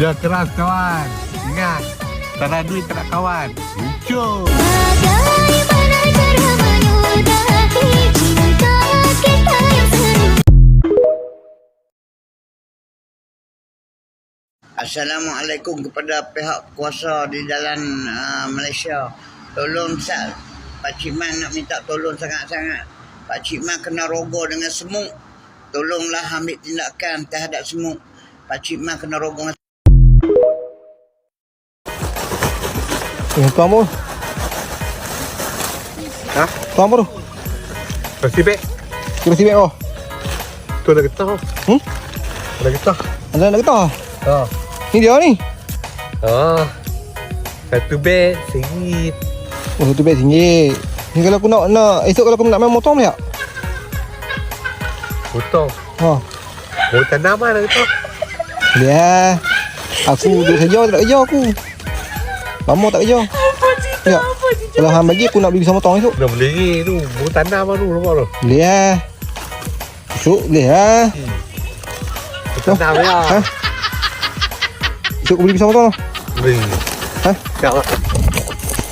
Kerja keras kawan. Ingat, tak ada duit tak nak kawan. Lucu. Bagaimana cara menyudahi cinta kita yang seru. Assalamualaikum kepada pihak kuasa di dalam Malaysia. Tolong Sat, Pak Cik Man nak minta tolong sangat-sangat. Pak Cik Man kena rogoh dengan semut. Tolonglah ambil tindakan terhadap semut. Pak Cik Man kena rogoh dengan Tuan bro. Ha? Tuan bro. Kasih beg. Kira sibuk bro. Tu ada getah. Ada getah. Ada nak getah? Ha. Ni dia ni. Ha. Satu beg RM1. Oh, satu beg RM1. Ni kalau aku nak esok kalau aku nak main motor boleh tak? Potong. Ha. Mau tanaman ada getah. Boleh lah. Aku duduk saja tak nak kerja aku. Lama tak kerja. Ya. Kalau hang bagi aku nak beli pisau motong esok. Dah boleh tu. Mau tanam baru nampak tu. Boleh lah. Esok boleh lah. Tanam ya. Ha? Esok aku beli pisau motong. Boleh. Ha? Tak.